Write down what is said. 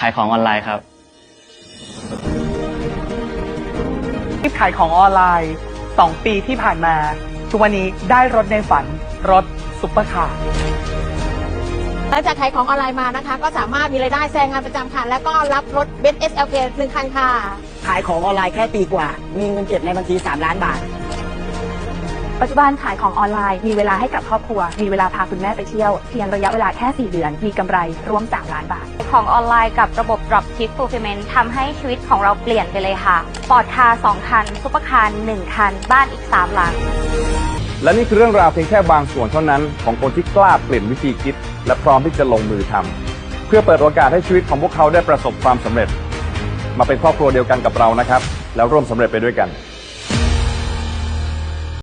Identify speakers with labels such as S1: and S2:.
S1: ายของออนไลน์ครับ
S2: ที่ขายของออนไลน์ 2 ปีที่ผ่านมาทุกวันนี้ได้รถในฝันรถซุปเปอร์คาร์
S3: หลังจากขายของออนไลน์มานะคะ ก็สามารถมีรายได้แซงงานประจำค่ะ แล้วก็รับรถเบนซ์ SLK 1 คันค่ะ
S4: ขายของออนไลน์แค่ปีกว่า มีเงินเก็บในบัญชี3 ล้านบาท
S5: ปัจจุบันขายของออนไลน์มีเวลาให้กับครอบครัวมีเวลาพาคุณแม่ไปเที่ยวเพียงระยะเวลาแค่4 เดือนมีกำไรร่วม3 ล้านบาท
S6: ของออนไลน์กับระบบ Dropship Fulfillment ทำให้ชีวิตของเราเปลี่ยนไปเลยค่ะปอร์ตคาร์2 คันซุปเปอร์คาร์1 คันบ้านอีก3 หลัง
S7: และนี่คือเรื่องราวเพียงแค่บางส่วนเท่านั้นของคนที่กล้าเปลี่ยนวิธีคิดและพร้อมที่จะลงมือทำเพื่อเปิดโอกาสให้ชีวิตของพวกเขาได้ประสบความสำเร็จมาเป็นครอบครัวเดียวกันกับเรานะครับแล้วร่วมสำเร็จไปด้วยกัน